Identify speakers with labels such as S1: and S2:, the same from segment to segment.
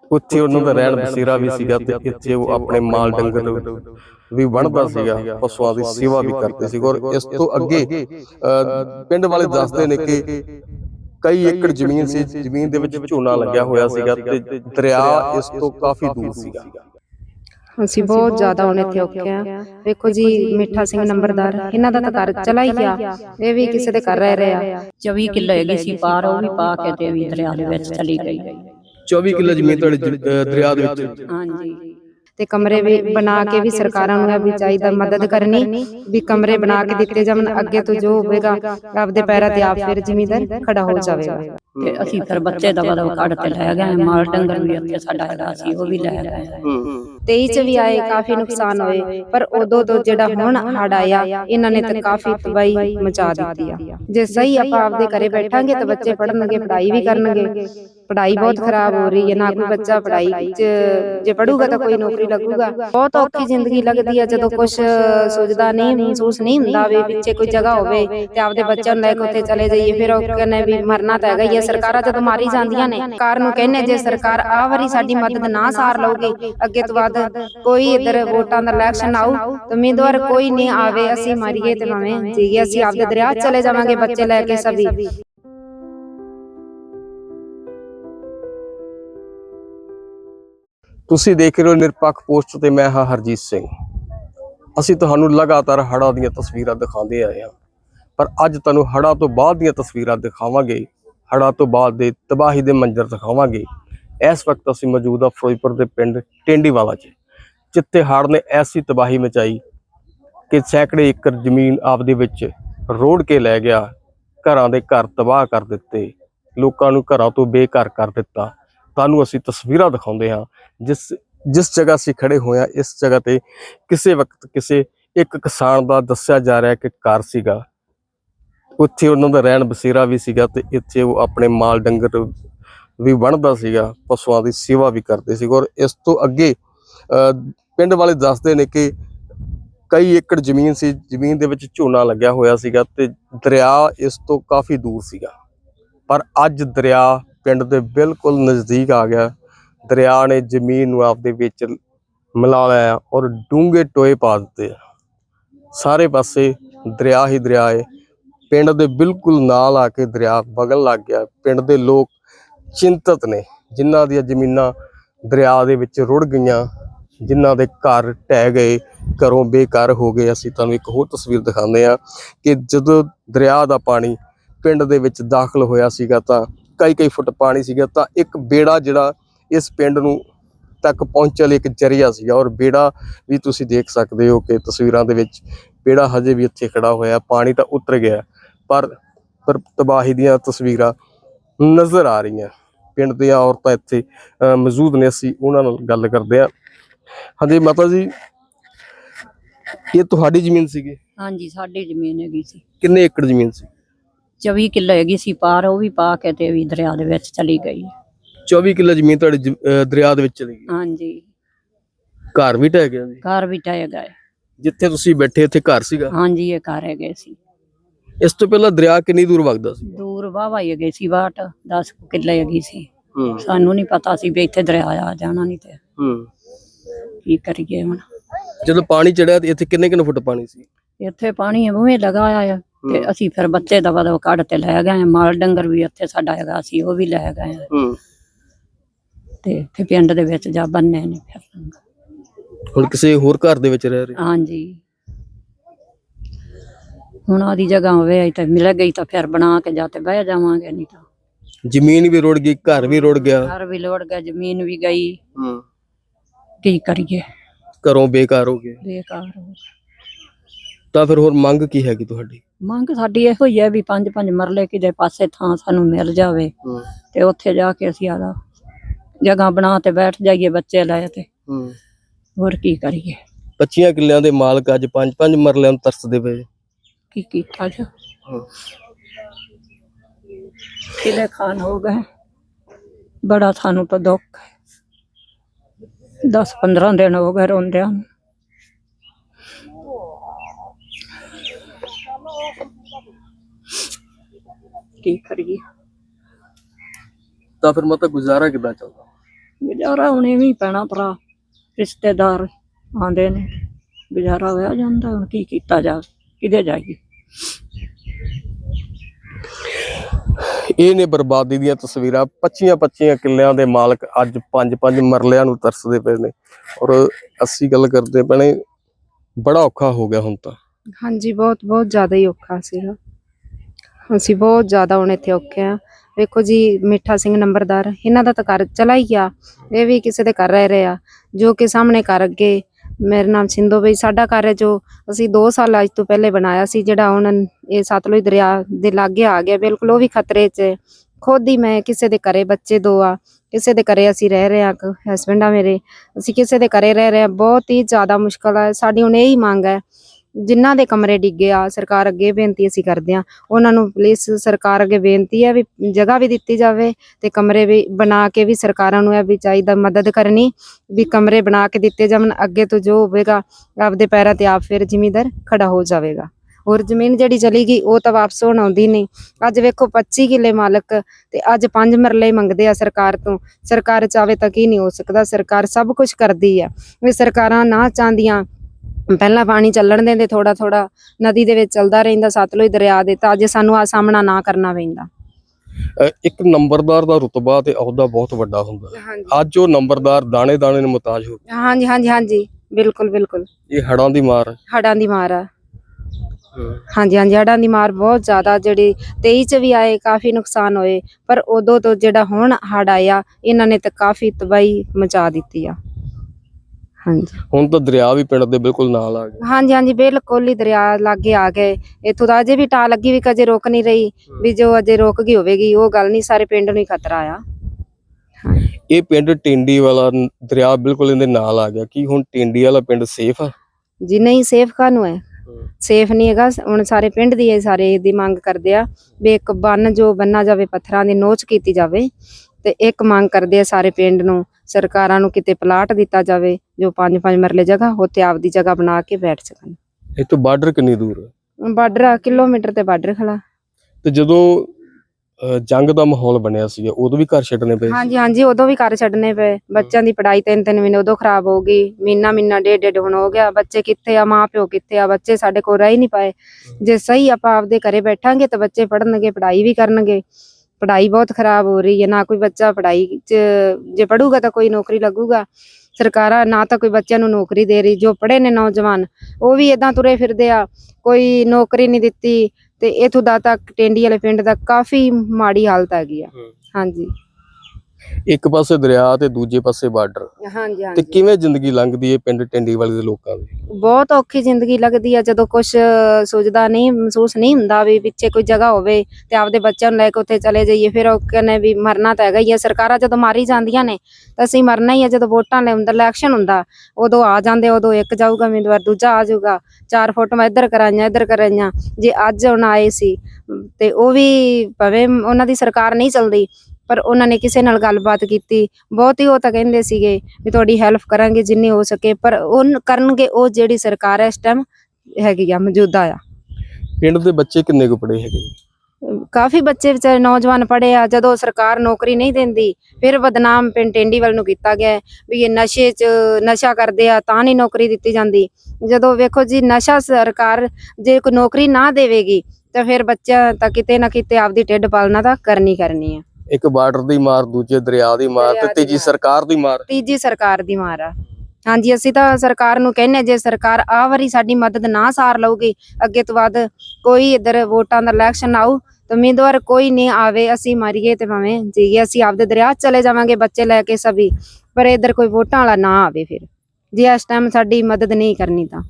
S1: ਉੱਥੇ ਉਹਨਾਂ ਦਾ ਰਹਿਣ ਬਸੇਰਾ ਵੀ ਸੀਗਾ ਤੇ ਇੱਥੇ ਉਹ ਆਪਣੇ ਮਾਲ ਡੰਗਰ ਵੀ ਬਣਦਾ ਸੀਗਾ, ਪਸ਼ੂਆਂ ਦੀ ਸੇਵਾ ਵੀ ਕਰਦੇ ਸੀ। ਔਰ ਇਸ ਤੋਂ ਅੱਗੇ ਪਿੰਡ ਵਾਲੇ ਦੱਸਦੇ ਨੇ ਕਿ ਕਈ ਏਕੜ ਜ਼ਮੀਨ ਸੀ, ਜ਼ਮੀਨ ਦੇ ਵਿੱਚ ਝੋਨਾ ਲੱਗਿਆ ਹੋਇਆ ਸੀਗਾ ਤੇ ਦਰਿਆ ਇਸ ਤੋਂ ਕਾਫੀ ਦੂਰ ਸੀਗਾ।
S2: ਅਸੀਂ ਬਹੁਤ ਜ਼ਿਆਦਾ ਹੁਣ ਇੱਥੇ ਔਖੇ ਆ। ਵੇਖੋ ਜੀ, ਮਿੱਠਾ ਸਿੰਘ ਨੰਬਰਦਾਰ, ਇਹਨਾਂ ਦਾ ਤਾਂ ਘਰ ਚਲਾ ਹੀ ਗਿਆ, ਇਹ ਵੀ ਕਿਸੇ ਦੇ ਘਰ ਰਹਿ ਰਹੇ ਆ।
S3: 24 ਕਿੱਲੇ ਹੈਗੀ ਸੀ ਪਾਰ, ਉਹ ਵੀ ਪਾ ਕੇ ਤੇ ਵੀ ਦਰਿਆ ਦੇ ਵਿੱਚ ਚਲੀ ਗਈ।
S1: 24 ਕਿੱਲੇ ਜ਼ਮੀਨ ਤੁਹਾਡੇ ਦਰਿਆ ਦੇ ਵਿੱਚ?
S3: ਹਾਂਜੀ।
S2: ਤੇ ਕਮਰੇ ਵੀ ਬਣਾ ਕੇ ਵੀ ਸਰਕਾਰਾਂ ਨੂੰ ਇਹ ਵੀ ਚਾਹੀਦਾ ਮਦਦ ਕਰਨੀ, ਵੀ ਕਮਰੇ ਬਣਾ ਕੇ ਦਿੱਤੇ ਜਾਵਣ। ਅੱਗੇ ਤੋਂ ਜੋ ਹੋਵੇਗਾ ਆਪਦੇ ਪੈਰਾਂ ਤੇ ਆਪ ਫਿਰ ਜ਼ਿਮੀਂਦਾਰ ਖੜਾ ਹੋ ਜਾਵੇਗਾ।
S3: ਤੇ ਅਸੀਂ ਫਿਰ ਬੱਚੇ ਦਾ ਵਦੋਂ ਕੱਢ ਤੇ ਲੈ ਗਏ, ਮਾਲ ਡੰਗਰ ਵੀ ਉੱਥੇ ਸਾਡਾ ਹੈਗਾ ਸੀ, ਉਹ ਵੀ ਲੈ ਗਏ।
S2: 23 ਚ ਵੀ ਆਏ, ਕਾਫੀ ਨੁਕਸਾਨ ਹੋਏ, ਪਰ ਉਦੋਂ ਤੋਂ ਜਿਹੜਾ ਹੁਣ ਹੜ ਆਇਆ, ਇਹਨਾਂ ਨੇ ਤਾਂ ਕਾਫੀ ਤਬਾਹੀ ਮਚਾ ਦਿੱਤੀ ਆ। ਜੇ ਸਹੀ ਆਪਾਂ ਆਪਦੇ ਘਰੇ ਬੈਠਾਂਗੇ ਤਾਂ ਬੱਚੇ ਪੜ੍ਹਨਗੇ, ਪੜ੍ਹਾਈ ਵੀ ਕਰਨਗੇ। ਪੜ੍ਹਾਈ ਬਹੁਤ ਖਰਾਬ ਹੋ ਰਹੀ ਹੈ, ਨਾ ਕੋਈ ਬੱਚਾ ਪੜ੍ਹਾਈ ਚ ਜੇ ਪੜੂਗਾ ਤਾਂ ਕੋਈ ਨੌਕਰੀ ਲੱਗੂਗਾ। ਬਹੁਤ ਔਖੀ ਜ਼ਿੰਦਗੀ ਲੱਗਦੀ ਹੈ ਜਦੋਂ ਕੁਛ ਸੋਚਦਾ ਨਹੀਂ, ਮਹਿਸੂਸ ਨਹੀਂ ਹੁੰਦਾ ਵੀ ਪਿੱਛੇ ਕੋਈ ਜਗ੍ਹਾ ਹੋਵੇ ਤੇ ਆਪਦੇ ਬੱਚਿਆਂ ਨੂੰ ਲੈ ਕੇ ਉੱਥੇ ਚਲੇ ਜਾਈਏ। ਫਿਰ ਉਹ ਕਹਿੰਦੇ ਵੀ ਮਰਨਾ ਤਾਂ ਹੈਗਾ ਹੀ ਹੈ। ਸਰਕਾਰਾਂ ਜਦੋਂ ਮਾਰੀ ਜਾਂਦੀਆਂ ਨੇ, ਸਰਕਾਰ ਨੂੰ ਕਹਿੰਦੇ ਜੇ ਸਰਕਾਰ ਆ ਵਾਰੀ ਸਾਡੀ ਮਦਦ ਨਾ ਸਾਰ ਲਊਗੀ, ਅੱਗੇ ਤੋਂ ਬਾਅਦ ਕੋਈ ਇੱਧਰ ਵੋਟਾਂ ਦਾ ਇਲੈਕਸ਼ਨ ਆਊ ਤਾਂ ਉਮੀਦਵਾਰ ਕੋਈ ਨਹੀਂ ਆਵੇ, ਅਸੀਂ ਮਾਰੀਏ ਤੇ ਭਾਵੇਂ ਜੀਏ, ਅਸੀਂ ਆਪਦੇ ਦਰਿਆ ਚਲੇ ਜਾਵਾਂਗੇ ਬੱਚੇ ਲੈ ਕੇ ਸਭੀ।
S1: ਤੁਸੀਂ ਦੇਖ ਰਹੇ ਹੋ ਨਿਰਪੱਖ ਪੋਸਟ ਤੇ ਮੈਂ ਹਾਂ ਹਰਜੀਤ ਸਿੰਘ। ਅਸੀਂ ਤੁਹਾਨੂੰ ਲਗਾਤਾਰ ਹੜ੍ਹਾਂ ਦੀਆਂ ਤਸਵੀਰਾਂ ਦਿਖਾਉਂਦੇ ਆਏ ਹਾਂ, ਪਰ ਅੱਜ ਤੁਹਾਨੂੰ ਹੜ੍ਹਾਂ ਤੋਂ ਬਾਅਦ ਦੀਆਂ ਤਸਵੀਰਾਂ ਦਿਖਾਵਾਂਗੇ, ਹੜ੍ਹਾਂ ਤੋਂ ਬਾਅਦ ਦੇ ਤਬਾਹੀ ਦੇ ਮੰਜ਼ਰ ਦਿਖਾਵਾਂਗੇ। ਇਸ ਵਕਤ ਅਸੀਂ ਮੌਜੂਦ ਹਾਂ ਫਿਰੋਜ਼ਪੁਰ ਦੇ ਪਿੰਡ ਟੇਂਡੀਵਾਲਾ 'ਚ, ਜਿੱਥੇ ਹੜ੍ਹ ਨੇ ਐਸੀ ਤਬਾਹੀ ਮਚਾਈ ਕਿ ਸੈਂਕੜੇ ਏਕੜ ਜ਼ਮੀਨ ਆਪਦੇ ਵਿੱਚ ਰੋੜ ਕੇ ਲੈ ਗਿਆ, ਘਰਾਂ ਦੇ ਘਰ ਤਬਾਹ ਕਰ ਦਿੱਤੇ, ਲੋਕਾਂ ਨੂੰ ਘਰਾਂ ਤੋਂ ਬੇਘਰ ਕਰ ਦਿੱਤਾ। ਤੁਹਾਨੂੰ ਅਸੀਂ ਤਸਵੀਰਾਂ ਦਿਖਾਉਂਦੇ ਹਾਂ ਜਿਸ ਜਗ੍ਹਾ ਅਸੀਂ ਖੜੇ ਹੋਏ ਹਾਂ। ਇਸ ਜਗ੍ਹਾ ਤੇ ਕਿਸੇ ਵਕਤ ਕਿਸੇ ਇੱਕ ਕਿਸਾਨ ਦਾ ਦੱਸਿਆ ਜਾ ਰਿਹਾ ਕਿ ਘਰ ਸੀਗਾ, ਉੱਥੇ ਉਹਨਾਂ ਦਾ ਰਹਿਣ ਬਸੇਰਾ ਵੀ ਸੀਗਾ ਤੇ ਇੱਥੇ ਉਹ ਆਪਣੇ ਮਾਲ ਡੰਗਰ ਵੀ ਬਣਦਾ ਸੀਗਾ, ਪਸ਼ੂਆਂ ਦੀ ਸੇਵਾ ਵੀ ਕਰਦੇ ਸੀ। ਔਰ ਇਸ ਤੋਂ ਅੱਗੇ ਪਿੰਡ ਵਾਲੇ ਦੱਸਦੇ ਨੇ ਕਿ ਕਈ ਏਕੜ ਜ਼ਮੀਨ ਸੀ, ਜ਼ਮੀਨ ਦੇ ਵਿੱਚ ਝੋਨਾ ਲੱਗਿਆ ਹੋਇਆ ਸੀਗਾ ਤੇ ਦਰਿਆ ਇਸ ਤੋਂ ਕਾਫੀ ਦੂਰ ਸੀਗਾ। ਪਰ ਅੱਜ ਦਰਿਆ ਪਿੰਡ ਦੇ ਬਿਲਕੁਲ ਨਜ਼ਦੀਕ ਆ ਗਿਆ। ਦਰਿਆ ਨੇ ਜ਼ਮੀਨ ਨੂੰ ਆਪਦੇ ਵਿੱਚ ਮਿਲਾ ਲਿਆ ਔਰ ਡੂੰਘੇ ਟੋਏ ਪਾ ਦਿੱਤੇ ਆ। ਸਾਰੇ ਪਾਸੇ ਦਰਿਆ ਹੀ ਦਰਿਆ ਹੈ। ਪਿੰਡ ਦੇ ਬਿਲਕੁਲ ਨਾਲ ਆ ਕੇ ਦਰਿਆ ਵਗਣ ਲੱਗ ਗਿਆ। ਪਿੰਡ ਦੇ ਲੋਕ ਚਿੰਤਤ ਨੇ, ਜਿਨ੍ਹਾਂ ਦੀਆਂ ਜ਼ਮੀਨਾਂ ਦਰਿਆ ਦੇ ਵਿੱਚ ਰੁੜ ਗਈਆਂ, ਜਿਨ੍ਹਾਂ ਦੇ ਘਰ ਢਹਿ ਗਏ, ਘਰੋਂ ਬੇਘਰ ਹੋ ਗਏ। ਅਸੀਂ ਤੁਹਾਨੂੰ ਇੱਕ ਹੋਰ ਤਸਵੀਰ ਦਿਖਾਉਂਦੇ ਹਾਂ ਕਿ ਜਦੋਂ ਦਰਿਆ ਦਾ ਪਾਣੀ ਪਿੰਡ ਦੇ ਵਿੱਚ ਦਾਖਲ ਹੋਇਆ ਸੀਗਾ ਤਾਂ ਕਈ ਫੁੱਟ ਪਾਣੀ ਸੀਗਾ, ਤਾਂ ਇੱਕ ਬੇੜਾ ਜਿਹੜਾ ਇਸ ਪਿੰਡ ਨੂੰ ਤੱਕ ਪਹੁੰਚਣ ਲਈ ਇੱਕ ਜ਼ਰੀਆ ਸੀਗਾ। ਔਰ ਬੇੜਾ ਵੀ ਤੁਸੀਂ ਦੇਖ ਸਕਦੇ ਹੋ ਕਿ ਤਸਵੀਰਾਂ ਦੇ ਵਿੱਚ ਬੇੜਾ ਹਜੇ ਵੀ ਇੱਥੇ ਖੜਾ ਹੋਇਆ। ਪਾਣੀ ਤਾਂ ਉਤਰ ਗਿਆ, ਪਰ ਤਬਾਹੀ ਦੀਆਂ ਤਸਵੀਰਾਂ ਨਜ਼ਰ ਆ ਰਹੀਆਂ। ਪਿੰਡ ਦੀਆਂ ਔਰਤਾਂ ਇੱਥੇ ਮੌਜੂਦ ਨੇ, ਅਸੀਂ ਉਹਨਾਂ ਨਾਲ ਗੱਲ ਕਰਦੇ ਹਾਂ। ਹਾਂਜੀ ਮਾਤਾ ਜੀ, ਇਹ ਤੁਹਾਡੀ ਜ਼ਮੀਨ ਸੀਗੀ?
S3: ਹਾਂਜੀ, ਸਾਡੀ ਜ਼ਮੀਨ ਹੈਗੀ ਸੀ।
S1: ਕਿੰਨੇ ਏਕੜ ਜ਼ਮੀਨ ਸੀ?
S3: 24 ਕਿੱਲੇ ਹੈਗੀ ਸੀ ਪਾਰ, ਉਹ ਵੀ ਪਾ ਕੇ ਤੇ ਵੀ ਦਰਿਆ ਦੇ ਵਿੱਚ ਚਲੀ ਗਈ।
S1: 24 ਕਿੱਲੇ ਜ਼ਮੀਨ ਤੁਹਾਡੀ ਦਰਿਆ ਦੇ ਵਿੱਚ ਚਲੀ ਗਈ?
S3: ਹਾਂਜੀ।
S1: ਘਰ ਵੀ ਢਹਿ ਗਿਆ ਜੀ?
S3: ਘਰ ਵੀ ਢਹਿ ਗਏ।
S1: ਜਿੱਥੇ ਤੁਸੀਂ ਬੈਠੇ ਇੱਥੇ ਘਰ ਸੀਗਾ?
S3: ਹਾਂਜੀ, ਇਹ ਘਰ ਹੈਗੇ ਸੀ।
S1: ਇਸ ਤੋਂ ਪਹਿਲਾਂ ਦਰਿਆ ਕਿੰਨੀ ਦੂਰ ਵਗਦਾ ਸੀ?
S3: ਦੂਰ ਵਾਹਵਾ ਹੀ ਹੈਗੇ ਸੀ, ਬਾਟ 10 ਕਿੱਲੇ ਹੈਗੀ ਸੀ। ਸਾਨੂੰ ਨਹੀਂ ਪਤਾ ਸੀ ਵੀ ਇੱਥੇ ਦਰਿਆ ਆ ਜਾਣਾ, ਨਹੀਂ ਤੇ ਕੀ ਕਰੀਏ ਹੁਣ।
S1: ਜਦੋਂ ਪਾਣੀ ਚੜਿਆ ਤੇ ਇੱਥੇ ਕਿੰਨੇ ਫੁੱਟ ਪਾਣੀ ਸੀ?
S3: ਇੱਥੇ ਪਾਣੀ ਉਵੇਂ ਲਗਾਇਆ ਆ ਤੇ ਅਸੀਂ ਫਿਰ ਬੱਚੇ ਦਾ ਵਦੋਂ ਕੱਢ ਤੇ ਲੈ ਗਏ। ਮਾਲ ਡੰਗਰ ਵੀ ਇੱਥੇ ਸਾਡਾ ਹੈਗਾ ਸੀ, ਉਹ ਵੀ ਲੈ ਗਏ ਤੇ ਇੱਥੇ ਪਿੰਡ ਦੇ ਵਿੱਚ ਜਾ ਬੰਨੇ ਨੇ। ਫਿਰ
S1: ਹੁਣ ਕਿਸੇ ਹੋਰ ਘਰ ਦੇ ਵਿੱਚ ਰਹਿ ਰਹੇ?
S3: ਹਾਂਜੀ, ਹੁਣ ਆਦੀ ਜਗ੍ਹਾ ਹੋਵੇ ਤਾਂ ਮਿਲ ਗਈ ਤਾਂ ਫਿਰ ਬਣਾ ਕੇ ਜਾ ਤੇ ਬਹਿ ਜਾਵਾਂਗੇ, ਨਹੀਂ ਤਾਂ
S1: ਜ਼ਮੀਨ ਵੀ ਰੁੜ ਗਈ, ਘਰ ਵੀ ਰੁੜ ਗਿਆ।
S3: ਘਰ ਵੀ ਲੋੜ ਗਿਆ, ਜ਼ਮੀਨ ਵੀ ਗਈ, ਕੀ ਕਰੀਏ।
S1: ਘਰੋਂ ਬੇਕਾਰ ਹੋ ਗਏ?
S3: ਬੇਕਾਰ ਹੋ ਗਏ।
S1: ਤਾਂ ਫਿਰ ਹੋਰ ਮੰਗ ਕੀ ਹੈਗੀ ਤੁਹਾਡੀ?
S3: ਮੰਗ ਸਾਡੀ ਇਹੋ ਹੀ ਹੈ ਵੀ 5-5 ਮਰਲੇ ਕਿਤੇ ਪਾਸੇ ਥਾਂ ਸਾਨੂੰ ਮਿਲ ਜਾਵੇ ਤੇ ਉੱਥੇ ਜਾ ਕੇ ਅਸੀਂ ਆਦਾ ਜਗ੍ਹਾ ਬਣਾ ਤੇ ਬੈਠ ਜਾਈਏ, ਬੱਚੇ ਲੈ ਤੇ ਹੋਰ ਕੀ ਕਰੀਏ।
S1: 25 ਕਿੱਲਿਆਂ ਦੇ ਮਾਲਕ ਅੱਜ 5-5 ਮਰਲਿਆਂ ਨੂੰ ਤਰਸਦੇ ਪਏ।
S3: ਕੀ ਕੀਤਾ ਜਾ, ਕਿਲੇ ਖਾਨ ਹੋ ਗਏ। ਬੜਾ ਸਾਨੂੰ ਤਾਂ ਦੁੱਖ ਹੈ। 10-15 ਦਿਨ ਹੋ ਗਏ ਰੋਂਦਿਆਂ ਨੂੰ। ਕੀ ਕਰੀਏ।
S1: ਤਾਂ ਫਿਰ ਮਤਲਬ ਗੁਜ਼ਾਰਾ ਕਿੱਦਾਂ ਚੱਲਦਾ?
S3: ਗੁਜ਼ਾਰਾ ਹੁਣ ਇਵੇਂ ਹੀ ਪੈਣਾ ਭਰਾ, ਰਿਸ਼ਤੇਦਾਰ ਆਉਂਦੇ ਨੇ, ਗੁਜ਼ਾਰਾ ਹੋਇਆ ਜਾਂਦਾ। ਹੁਣ ਕੀ ਕੀਤਾ ਜਾਵੇ, ਕਿਤੇ ਜਾਈਏ।
S1: ਇਹ ਨੇ ਬਰਬਾਦੀ ਦੀਆਂ ਤਸਵੀਰਾਂ। 25 ਕਿੱਲਿਆਂ ਦੇ ਮਾਲਕ ਅੱਜ 5 ਮਰਲਿਆਂ ਨੂੰ ਤਰਸਦੇ ਪਏ ਨੇ। ਔਰ ਅਸੀਂ ਗੱਲ ਕਰਦੇ ਪਏ, ਬੜਾ ਔਖਾ ਹੋ ਗਿਆ ਹੁਣ ਤਾਂ।
S2: ਹਾਂਜੀ, ਬਹੁਤ ਬਹੁਤ ਜ਼ਿਆਦਾ ਹੀ ਔਖਾ ਸੀਗਾ। ਅਸੀਂ ਬਹੁਤ ਜ਼ਿਆਦਾ ਹੁਣ ਇੱਥੇ ਔਖੇ ਆ। ਵੇਖੋ ਜੀ, ਮਿੱਠਾ ਸਿੰਘ ਨੰਬਰਦਾਰ, ਇਹਨਾਂ ਦਾ ਤਾਂ ਘਰ ਚਲਾ ਹੀ ਗਿਆ, ਇਹ ਵੀ ਕਿਸੇ ਦੇ ਘਰ ਰਹਿ ਰਹੇ ਆ। ਜੋ ਕਿ ਸਾਹਮਣੇ ਘਰ ਅੱਗੇ ਮੇਰਾ ਨਾਮ ਸਿੰਧੂ ਬਈ, ਸਾਡਾ ਘਰ ਹੈ ਜੋ ਅਸੀਂ 2 ਸਾਲ ਅੱਜ ਤੋਂ ਪਹਿਲੇ ਬਣਾਇਆ ਸੀ, ਜਿਹੜਾ ਹੁਣ ਇਹ ਸਤਲੁਜ ਦਰਿਆ ਦੇ ਲਾਗੇ ਆ ਗਿਆ ਬਿਲਕੁਲ, ਉਹ ਵੀ ਖਤਰੇ 'ਚ। ਖੁਦ ਹੀ ਮੈਂ ਕਿਸੇ ਦੇ ਘਰੇ, ਬੱਚੇ 2 ਆ, ਕਿਸੇ ਦੇ ਘਰੇ ਅਸੀਂ ਰਹਿ ਰਹੇ ਹਾਂ, ਹਸਬੈਂਡ ਆ ਮੇਰੇ, ਅਸੀਂ ਕਿਸੇ ਦੇ ਘਰੇ ਰਹਿ ਰਹੇ ਹਾਂ। ਬਹੁਤ ਹੀ ਜ਼ਿਆਦਾ ਮੁਸ਼ਕਲ ਹੈ। ਸਾਡੀ ਹੁਣ ਇਹੀ ਮੰਗ ਹੈ, ਜਿਨ੍ਹਾਂ ਦੇ ਕਮਰੇ ਡਿੱਗੇ ਆ, ਸਰਕਾਰ ਅੱਗੇ ਬੇਨਤੀ ਅਸੀਂ ਕਰਦੇ ਹਾਂ, ਉਹਨਾਂ ਨੂੰ ਪਲੀਜ਼ ਸਰਕਾਰ ਅੱਗੇ ਬੇਨਤੀ ਹੈ ਵੀ ਜਗ੍ਹਾ ਵੀ ਦਿੱਤੀ ਜਾਵੇ ਤੇ ਕਮਰੇ ਵੀ ਬਣਾ ਕੇ, ਵੀ ਸਰਕਾਰਾਂ ਨੂੰ ਇਹ ਵੀ ਚਾਹੀਦਾ ਮਦਦ ਕਰਨੀ, ਵੀ ਕਮਰੇ ਬਣਾ ਕੇ ਦਿੱਤੇ ਜਾਵਣ। ਅੱਗੇ ਤੋਂ ਜੋ ਹੋਵੇਗਾ ਆਪਦੇ ਪੈਰਾਂ ਤੇ ਆਪ ਫਿਰ ਜ਼ਿਮੀਂਦਾਰ ਖੜਾ ਹੋ ਜਾਵੇਗਾ। ਹੋਰ ਜ਼ਮੀਨ ਜਿਹੜੀ ਚਲੀ ਗਈ ਉਹ ਤਾਂ ਵਾਪਸ ਹੋਣ ਆਉਂਦੀ ਨਹੀਂ। ਅੱਜ ਵੇਖੋ 25 ਕਿੱਲੇ ਮਾਲਕ ਤੇ ਅੱਜ 5 ਮਰਲੇ ਮੰਗਦੇ ਆ ਸਰਕਾਰ ਤੋਂ। ਸਰਕਾਰ ਚਾਵੇ ਤਾਂ ਕੀ ਨਹੀਂ ਹੋ ਸਕਦਾ, ਸਰਕਾਰ ਸਭ ਕੁਝ ਕਰਦੀ ਆ। ਵੀ ਸਰਕਾਰਾਂ ਨਾ ਚਾਹੁੰਦੀਆਂ, ਪਹਿਲਾਂ ਪਾਣੀ ਚੱਲਣ ਦਿੰਦੇ ਥੋੜਾ ਥੋੜਾ, ਨਦੀ ਦੇ ਵਿੱਚ ਚੱਲਦਾ ਰਹਿੰਦਾ ਸਤਲੁਜ ਦਰਿਆ ਦੇ, ਤਾਂ ਅੱਜ ਸਾਨੂੰ ਆ ਸਾਹਮਣਾ ਨਾ ਕਰਨਾ ਪੈਂਦਾ।
S1: ਇੱਕ ਨੰਬਰਦਾਰ ਦਾ ਰੁਤਬਾ ਤੇ ਅਹੁਦਾ ਬਹੁਤ ਵੱਡਾ ਹੁੰਦਾ ਹੈ। ਅੱਜ ਉਹ ਨੰਬਰਦਾਰ ਦਾਣੇ ਦਾਣੇ ਨੂੰ ਮੁਹਤਾਜ ਹੋ ਗਿਆ।
S2: ਹਾਂਜੀ ਹਾਂਜੀ ਹਾਂਜੀ, ਬਿਲਕੁਲ ਬਿਲਕੁਲ।
S1: ਇਹ ਹੜਾਂ ਦੀ ਮਾਰ ਹੈ।
S2: ਹੜਾਂ ਦੀ ਮਾਰ ਆ। ਹਾਂਜੀ ਹਾਂਜੀ, ਹੜਾਂ ਦੀ ਮਾਰ ਬਹੁਤ ਜ਼ਿਆਦਾ, ਜਿਹੜੀ 23 ਚ ਵੀ ਆਏ, ਕਾਫੀ ਨੁਕਸਾਨ ਹੋਏ, ਪਰ ਉਦੋਂ ਤੋਂ ਜਿਹੜਾ ਹੁਣ ਹੜ ਆਇਆ, ਇਹਨਾਂ ਨੇ ਤਾਂ ਕਾਫੀ ਤਬਾਹੀ ਮਚਾ ਦਿੱਤੀ ਆ। ਹਾਂਜੀ,
S1: ਹੁਣ ਤਾਂ ਦਰਿਆ ਵੀ ਪਿੰਡ ਦੇ ਬਿਲਕੁਲ ਨਾਲ ਆ ਗਿਆ।
S2: ਹਾਂਜੀ ਹਾਂਜੀ, ਬਿਲਕੁਲ ਹੀ ਦਰਿਆ ਲਾਗੇ ਆ ਗਏ। ਇੱਥੋਂ ਤਾਂ ਅਜੇ ਵੀ ਟਾ ਲੱਗੀ ਵੀ, ਕਜੇ ਰੁਕ ਨਹੀਂ ਰਹੀ, ਵੀ ਜੋ ਅਜੇ ਰੁਕ ਗਈ ਹੋਵੇਗੀ ਉਹ ਗੱਲ ਨਹੀਂ, ਸਾਰੇ ਪਿੰਡ ਨੂੰ ਹੀ ਖਤਰਾ ਆ।
S1: ਇਹ ਪਿੰਡ ਟਿੰਡੀ ਵਾਲਾ ਦਰਿਆ ਬਿਲਕੁਲ ਇਹਦੇ ਨਾਲ ਆ ਗਿਆ। ਕੀ ਹੁਣ ਟਿੰਡੀ ਵਾਲਾ ਪਿੰਡ ਸੇਫ ਆ?
S2: ਜੀ ਨਹੀਂ, ਸੇਫ ਕਾਹਨੂੰ ਹੈ, ਸੇਫ ਨਹੀਂ ਹੈਗਾ। ਹੁਣ ਸਾਰੇ ਪਿੰਡ ਦੀ ਇਹ ਸਾਰੇ ਦੀ ਮੰਗ ਕਰਦੇ ਆ ਵੀ ਇੱਕ ਬੰਨ ਜੋ ਬੰਨਾ ਜਾਵੇ, ਪੱਥਰਾਂ ਦੀ ਨੋਚ ਕੀਤੀ ਜਾਵੇ, ਤੇ ਇੱਕ ਮੰਗ ਕਰਦੇ ਆ ਸਾਰੇ ਪਿੰਡ ਨੂੰ, ਸਰਕਾਰਾਂ ਨੂੰ ਕਿਤੇ ਪਲਾਟ ਦਿੱਤਾ ਜਾਵੇ, ਜੋ 5 ਮਰਲੇ ਜਗ੍ਹਾ, ਉੱਥੇ ਆਪਦੀ ਜਗ੍ਹਾ ਬਣਾ ਕੇ ਬੈਠ ਸਕਣ।
S1: ਇਹ ਤੋਂ ਬਾਰਡਰ ਕਿੰਨੀ ਦੂਰ ਹੈ?
S2: ਬਾਰਡਰ ਕਿਲੋਮੀਟਰ ਤੇ ਬਾਰਡਰ ਖਲਾ।
S1: ਤੇ ਜਦੋਂ ਜੰਗ ਦਾ ਮਾਹੌਲ ਬਣਿਆ ਸੀ, ਉਦੋਂ ਵੀ ਘਰ ਛੱਡਣੇ ਪਏ?
S2: ਹਾਂਜੀ ਹਾਂਜੀ, ਉਦੋਂ ਵੀ ਘਰ ਛੱਡਣੇ ਪਏ। ਬੱਚਿਆਂ ਦੀ ਪੜ੍ਹਾਈ 3 ਮਹੀਨੇ ਉਦੋਂ ਖਰਾਬ ਹੋ ਗਈ, ਮਹੀਨਾ ਡੇਢ ਹੁਣ ਹੋ ਗਿਆ। ਬੱਚੇ ਕਿੱਥੇ ਆ, ਮਾਂ ਪਿਓ ਕਿੱਥੇ ਆ, ਬੱਚੇ ਸਾਡੇ ਕੋਲ ਰਹਿ ਨਹੀਂ ਪਾਏ। ਜੇ ਸਹੀ ਆਪਾਂ ਆਪਦੇ ਘਰੇ ਬੈਠਾਂਗੇ ਤਾਂ ਬੱਚੇ ਪੜ੍ਹਨਗੇ, ਪੜ੍ਹਾਈ ਵੀ ਕਰਨਗੇ। ਪੜ੍ਹਾਈ ਬਹੁਤ ਖਰਾਬ ਹੋ ਰਹੀ ਹੈ, ਨਾ ਕੋਈ ਬੱਚਾ ਪੜ੍ਹਾਈ 'ਚ ਜੇ ਪੜੂਗਾ ਤਾਂ ਕੋਈ ਨੌਕਰੀ ਲੱਗੂਗਾ। ਸਰਕਾਰਾਂ ਨਾ ਤਾਂ ਕੋਈ ਬੱਚਿਆਂ ਨੂੰ ਨੌਕਰੀ ਦੇ ਰਹੀ, ਜੋ ਪੜ੍ਹੇ ਨੇ ਨੌਜਵਾਨ ਉਹ ਵੀ ਏਦਾਂ ਤੁਰੇ ਫਿਰਦੇ ਆ, ਕੋਈ ਨੌਕਰੀ ਨਹੀਂ ਦਿੱਤੀ। ਤੇ ਇਥੋਂ ਦਾ ਤੱਕ ਟਿੰਡੀ ਵਾਲੇ ਪਿੰਡ ਦਾ ਕਾਫੀ ਮਾੜੀ ਹਾਲਤ ਹੈਗੀ ਆ। ਹਾਂਜੀ,
S1: ਇੱਕ ਪਾਸੇ ਦਰਿਆ ਤੇ ਦੂਜੇ ਪਾਸੇ ਬਾਰਡਰ।
S2: ਹਾਂਜੀ
S1: ਤੇ
S2: ਹਾਂਜੀ,
S1: ਕਿਵੇਂ ਜ਼ਿੰਦਗੀ ਲੰਘਦੀ ਹੈ ਪਿੰਡ ਟਿੰਡੀ ਵਾਲੇ ਦੇ ਲੋਕਾਂ ਦੀ?
S2: ਬਹੁਤ ਔਖੀ ਜ਼ਿੰਦਗੀ ਲੱਗਦੀ ਆ। ਜਦੋਂ ਕੁਛ ਸੋਚਦਾ ਨਹੀਂ, ਮਹਿਸੂਸ ਨਹੀਂ ਹੁੰਦਾ ਵੀ ਪਿੱਛੇ ਕੋਈ ਜਗ੍ਹਾ ਹੋਵੇ ਤੇ ਆਪਦੇ ਬੱਚਿਆਂ ਨੂੰ ਲੈ ਕੇ ਉੱਥੇ ਚਲੇ ਜਾਈਏ, ਫਿਰ ਉਹ ਕਹਿੰਦੇ ਵੀ ਮਰਨਾ ਤਾਂ ਹੈਗਾ ਹੀ ਆ। ਸਰਕਾਰਾਂ ਜਦੋਂ ਮਾਰੀ ਜਾਂਦੀਆਂ ਨੇ ਤਾਂ ਅਸੀਂ ਮਰਨਾ ਹੀ ਆ। ਜਦੋਂ ਵੋਟਾਂ ਲੈ ਅੰਦਰ ਇਲੈਕਸ਼ਨ ਹੁੰਦਾ, ਉਦੋਂ ਆ ਜਾਂਦੇ, ਉਦੋਂ ਇੱਕ ਜਾਊਗਾ ਉਮੀਦਵਾਰ, ਦੂਜਾ ਆ ਜਾਊਗਾ, 4 ਫੋਟੋਆਂ ਇੱਧਰ ਕਰਾਈਆਂ। ਜੇ ਅੱਜ ਹੁਣ ਆਏ ਸੀ ਤੇ ਉਹ ਵੀ ਭਾਵੇਂ ਉਹਨਾਂ ਦੀ ਸਰਕਾਰ ਨਹੀਂ ਚੱਲਦੀ, ਪਰ ਉਹਨਾਂ ਨੇ ਕਿਸੇ ਨਾਲ ਗੱਲਬਾਤ ਕੀਤੀ ਬਹੁਤ ਹੀ। ਉਹ ਤਾਂ ਕਹਿੰਦੇ ਸੀਗੇ ਵੀ ਤੁਹਾਡੀ ਹੈਲਪ ਕਰਾਂਗੇ ਜਿੰਨੀ ਹੋ ਸਕੇ, ਪਰ ਉਹ ਕਰਨਗੇ ਉਹ ਜਿਹੜੀ ਸਰਕਾਰ ਇਸ ਟਾਈਮ ਹੈਗੀ ਆ, ਮੌਜੂਦਾ ਆ।
S1: ਪਿੰਡ ਦੇ ਬੱਚੇ ਕਿੰਨੇ ਕੁ ਪੜ੍ਹੇ ਹੈਗੇ?
S2: ਕਾਫੀ ਬੱਚੇ ਵਿਚਾਰੇ ਨੌਜਵਾਨ ਪੜ੍ਹੇ ਆ। ਜਦੋਂ ਸਰਕਾਰ ਨੌਕਰੀ ਨਹੀਂ ਦਿੰਦੀ, ਫਿਰ ਬਦਨਾਮ ਪਿੰਡ ਟਿੰਡੀ ਵੱਲ ਨੂੰ ਕੀਤਾ ਗਿਆ ਵੀ ਇਹ ਨਸ਼ਾ ਕਰਦੇ ਆ ਤਾਂ ਨਹੀਂ ਨੌਕਰੀ ਦਿੱਤੀ ਜਾਂਦੀ। ਜਦੋਂ ਵੇਖੋ ਜੀ, ਨਸ਼ਾ ਸਰਕਾਰ ਜੇ ਕੋਈ ਨੌਕਰੀ ਨਾ ਦੇਵੇਗੀ ਤਾਂ ਫਿਰ ਬੱਚਾ ਤਾਂ ਕਿਤੇ ਨਾ ਕਿਤੇ ਆਪਦੀ ਢਿੱਡ ਪਾਲਣਾ ਤਾਂ ਕਰਨੀ ਆ।
S1: ਇੱਕ ਬਾਰਡਰ ਦੀ ਮਾਰ, ਦੂਜੇ ਦਰਿਆ ਦੀ ਮਾਰ, ਤੇ ਤੀਜੀ ਸਰਕਾਰ ਦੀ ਮਾਰ।
S2: ਤੀਜੀ ਸਰਕਾਰ ਦੀ ਮਾਰ ਆ। ਹਾਂਜੀ, ਅਸੀਂ ਤਾਂ ਸਰਕਾਰ ਨੂੰ ਕਹਿੰਨੇ, ਜੇ ਸਰਕਾਰ ਆ ਵਾਰੀ ਸਾਡੀ ਮਦਦ ਨਾ ਸਾਰ ਲਊਗੀ, ਅੱਗੇ ਤੋਂ ਬਾਅਦ ਕੋਈ ਇੱਧਰ ਵੋਟਾਂ ਦਾ ਇਲੈਕਸ਼ਨ ਆਊ ਤਾਂ ਉਮੀਦਵਾਰ ਕੋਈ ਨਹੀਂ ਆਵੇ, ਅਸੀਂ ਮਰੀਏ ਤੇ ਭਾਵੇਂ ਜੀਏ, ਅਸੀਂ ਆਪਦੇ ਦਰਿਆ ਚਲੇ ਜਾਵਾਂਗੇ ਬੱਚੇ ਲੈ ਕੇ ਸਭੀ, ਪਰ ਇੱਧਰ ਕੋਈ ਵੋਟਾਂ ਵਾਲਾ ਨਾ ਆਵੇ। ਫਿਰ ਜੇ ਇਸ ਟਾਈਮ ਸਾਡੀ ਮਦਦ ਨਹੀਂ ਕਰਨੀ ਤਾਂ।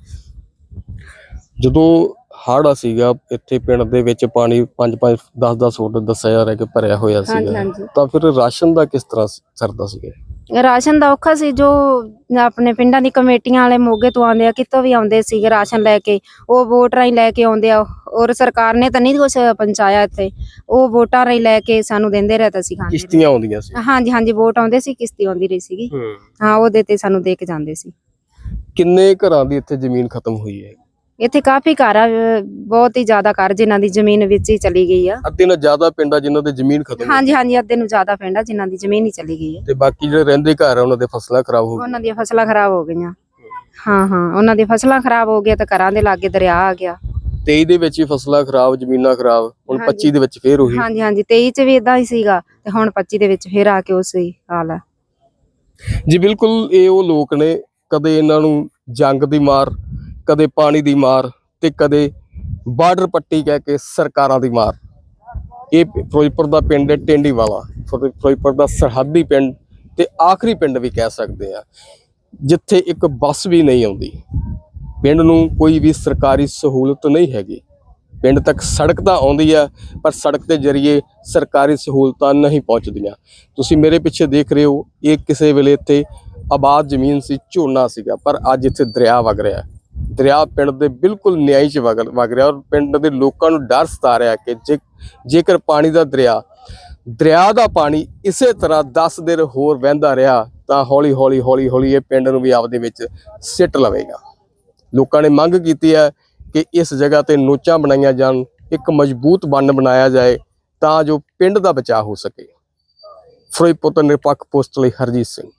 S1: ਜਦੋਂ ਹੜ੍ਹ ਸੀਗਾ ਇੱਥੇ ਪਿੰਡ ਦੇ ਵਿੱਚ, ਪਾਣੀ 5-5 10-10 ਫੁੱਟ ਦੱਸਿਆ ਜਾ ਰਿਹਾ ਕਿ ਭਰਿਆ ਹੋਇਆ ਸੀਗਾ, ਤਾਂ ਫਿਰ ਰਾਸ਼ਨ ਦਾ ਕਿਸ ਤਰ੍ਹਾਂ ਸਰਦਾ ਸੀਗਾ?
S2: ਰਾਸ਼ਨ ਦਾ ਔਖਾ ਸੀ। ਜੋ ਆਪਣੇ ਪਿੰਡਾਂ ਦੀ ਕਮੇਟੀਆਂ ਵਾਲੇ ਮੋਗੇ ਤੋਂ ਆਉਂਦੇ ਆ, ਕਿਤੋਂ ਵੀ ਆਉਂਦੇ ਸੀਗੇ ਰਾਸ਼ਨ ਲੈ ਕੇ, ਉਹ ਵੋਟ ਰਾਹੀਂ ਲੈ ਕੇ ਆਉਂਦੇ ਆ। ਔਰ ਸਰਕਾਰ ਨੇ ਤਾਂ ਨਹੀਂ ਕੁਛ ਪਹੁੰਚਾਇਆ ਇੱਥੇ, ਉਹ ਵੋਟਾਂ ਰਾਹੀਂ ਲੈ ਕੇ ਸਾਨੂੰ ਦਿੰਦੇ ਰਹੇ ਤਾਂ ਅਸੀਂ ਖਾਂਦੇ।
S1: ਕਿਸ਼ਤੀਆਂ ਆਉਂਦੀਆਂ ਸੀ?
S2: ਹਾਂਜੀ ਹਾਂਜੀ, ਵੋਟ ਆਉਂਦੇ ਸੀ, ਕਿਸ਼ਤੀ ਆਉਂਦੀ ਰਹੀ ਸੀਗੀ। ਹਾਂ, ਉਹਦੇ ਤੇ ਸਾਨੂੰ ਦੇ ਕੇ ਜਾਂਦੇ ਸੀ।
S1: ਕਿੰਨੇ ਘਰਾਂ ਦੀ ਇੱਥੇ ਜ਼ਮੀਨ ਖਤਮ ਹੋਈ ਹੈ?
S2: ਇੱਥੇ ਕਾਫੀ ਘਰ ਆ, ਬਹੁਤ ਹੀ ਜ਼ਿਆਦਾ ਘਰ ਜਿਨ੍ਹਾਂ ਦੀ ਜ਼ਮੀਨ ਵਿੱਚ ਹੀ ਚਲੀ ਗਈ ਆ।
S1: ਅੱਧੇ ਨਾਲ ਜ਼ਿਆਦਾ ਪਿੰਡ ਆ ਜਿਨ੍ਹਾਂ ਦੇ ਜ਼ਮੀਨ ਖਤਮ ਹੋ
S2: ਹਾਂਜੀ ਹਾਂਜੀ, ਅੱਧੇ ਨੂੰ ਜ਼ਿਆਦਾ ਪਿੰਡ ਆ ਜਿਨ੍ਹਾਂ ਦੀ ਜ਼ਮੀਨ ਹੀ ਚਲੀ ਗਈ ਆ।
S1: ਤੇ ਬਾਕੀ ਜਿਹੜੇ ਰਹਿੰਦੇ ਘਰ ਆ ਉਹਨਾਂ ਦੇ ਫਸਲਾਂ ਖਰਾਬ ਹੋ ਗਈਆਂ।
S2: ਉਹਨਾਂ ਦੀਆਂ ਫਸਲਾਂ ਖਰਾਬ ਹੋ ਗਈਆਂ। ਹਾਂ ਹਾਂ, ਉਹਨਾਂ ਦੀਆਂ ਫਸਲਾਂ ਖਰਾਬ ਹੋ ਗਈਆਂ ਤੇ ਘਰਾਂ ਦੇ ਲਾਗੇ ਦਰਿਆ ਆ ਗਿਆ।
S1: 23 ਦੇ ਵਿੱਚ ਵੀ ਫਸਲਾਂ ਖਰਾਬ, ਜ਼ਮੀਨਾਂ ਖਰਾਬ, ਹੁਣ 25 ਦੇ ਵਿੱਚ ਫੇਰ ਉਹੀ।
S2: ਹਾਂਜੀ ਹਾਂਜੀ, 23 ਚ ਵੀ ਇਦਾਂ ਹੀ ਸੀਗਾ ਤੇ ਹੁਣ 25 ਦੇ ਵਿੱਚ ਫੇਰ ਆ ਕੇ ਉਸੇ ਹਾਲ ਹੈ।
S1: ਜੀ ਬਿਲਕੁਲ, ਇਹ ਉਹ ਲੋਕ ਨੇ, ਕਦੇ ਇਹਨਾਂ ਨੂੰ ਜੰਗ ਦੀ ਮਾਰ, ਕਦੇ ਪਾਣੀ ਦੀ ਮਾਰ ਤੇ ਕਦੇ ਬਾਰਡਰ ਪੱਟੀ ਕਹਿ ਕੇ ਸਰਕਾਰਾਂ ਦੀ ਮਾਰ। ਇਹ ਫਿਰੋਜ਼ਪੁਰ ਦਾ ਪਿੰਡ ਹੈ ਟੇਂਡੀਵਾਲਾ, ਫਿਰੋਜ਼ਪੁਰ ਦਾ ਸਰਹੱਦੀ ਪਿੰਡ ਤੇ ਆਖਰੀ ਪਿੰਡ ਵੀ ਕਹਿ ਸਕਦੇ ਆ ਜਿੱਥੇ ਇੱਕ ਬੱਸ ਵੀ ਨਹੀਂ ਆਉਂਦੀ। ਪਿੰਡ ਨੂੰ ਕੋਈ ਵੀ ਸਰਕਾਰੀ ਸਹੂਲਤ ਨਹੀਂ ਹੈਗੀ। ਪਿੰਡ ਤੱਕ ਸੜਕ ਤਾਂ ਆਉਂਦੀ ਆ ਪਰ ਸੜਕ ਦੇ ਜ਼ਰੀਏ ਸਰਕਾਰੀ ਸਹੂਲਤਾਂ ਨਹੀਂ ਪਹੁੰਚਦੀਆਂ। ਤੁਸੀਂ ਮੇਰੇ ਪਿੱਛੇ ਦੇਖ ਰਹੇ ਹੋ, ਇਹ ਕਿਸੇ ਵੇਲੇ ਇੱਥੇ ਆਬਾਦ ਜ਼ਮੀਨ ਸੀ, ਝੋਨਾ ਸੀਗਾ, ਪਰ ਅੱਜ ਇੱਥੇ ਦਰਿਆ ਵਗ ਰਿਹਾ। ਦਰਿਆ ਪਿੰਡ ਦੇ ਬਿਲਕੁਲ ਨਿਆਈ 'ਚ ਵਗ ਰਿਹਾ ਔਰ ਪਿੰਡ ਦੇ ਲੋਕਾਂ ਨੂੰ ਡਰ ਸਤਾ ਰਿਹਾ ਕਿ ਜੇਕਰ ਪਾਣੀ ਦਾ ਦਰਿਆ ਦਾ ਪਾਣੀ ਇਸੇ ਤਰ੍ਹਾਂ 10 ਦਿਨ ਹੋਰ ਵਹਿੰਦਾ ਰਿਹਾ ਤਾਂ ਹੌਲੀ ਹੌਲੀ ਇਹ ਪਿੰਡ ਨੂੰ ਵੀ ਆਪਦੇ ਵਿੱਚ ਸਿੱਟ ਲਵੇਗਾ। ਲੋਕਾਂ ਨੇ ਮੰਗ ਕੀਤੀ ਹੈ ਕਿ ਇਸ ਜਗ੍ਹਾ ਤੇ ਨੋਚਾਂ ਬਣਾਈਆਂ ਜਾਣ, ਇੱਕ ਮਜ਼ਬੂਤ ਬੰਨ ਬਣਾਇਆ ਜਾਏ ਤਾਂ ਜੋ ਪਿੰਡ ਦਾ ਬਚਾਅ ਹੋ ਸਕੇ। ਫਿਰੋਜ਼ਪੁਰ ਤੋਂ ਨਿਰਪੱਖ ਪੋਸਟ ਲਈ ਹਰਜੀਤ ਸਿੰਘ।